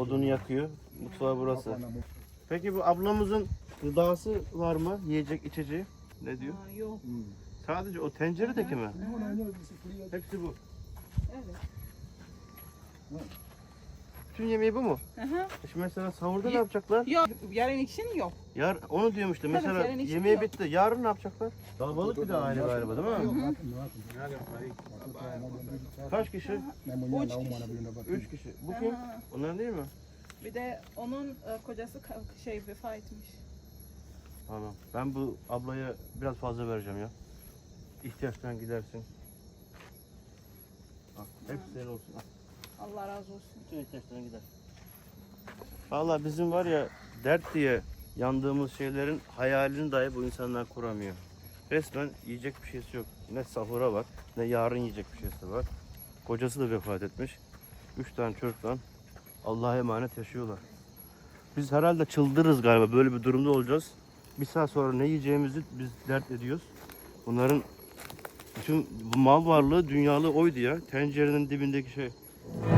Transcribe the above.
Odunu yakıyor. Mutfağı burası. Peki bu ablamızın gıdası var mı? Yiyecek, içeceği? Ne diyor? Yok. Sadece o tenceredeki mi? Hepsi bu. Evet. Bütün yemeği bu mu? Aha. Şimdi mesela sahurda ne yapacaklar? Yok. Yarın için yok. Onu diyorum işte. Mesela yarın için yemeği yok. bitti. Yarın ne yapacaklar? Kalabalık bir de aile galiba değil mi? Kaç kişi? 3 kişi. Bu kim? Aha. Onlar değil mi? Bir de onun kocası vefat etmiş. Tamam. Ben bu ablaya biraz fazla vereceğim ya. İhtiyaçtan gidersin. Al, hepsi senin olsun. Al. Allah razı olsun. Bütün ihtiyaçlarına gider. Valla bizim var ya dert diye yandığımız şeylerin hayalini dahi bu insanlar kuramıyor. Resmen yiyecek bir şeysi yok. Ne sahura var, ne yarın yiyecek bir şeysi var. Kocası da vefat etmiş. 3 tane çocukla Allah'a emanet yaşıyorlar. Biz herhalde çıldırırız galiba, böyle bir durumda olacağız. Bir saat sonra ne yiyeceğimizi biz dert ediyoruz. Bunların bütün bu mal varlığı, dünyalığı oydu ya. Tencerenin dibindeki şey.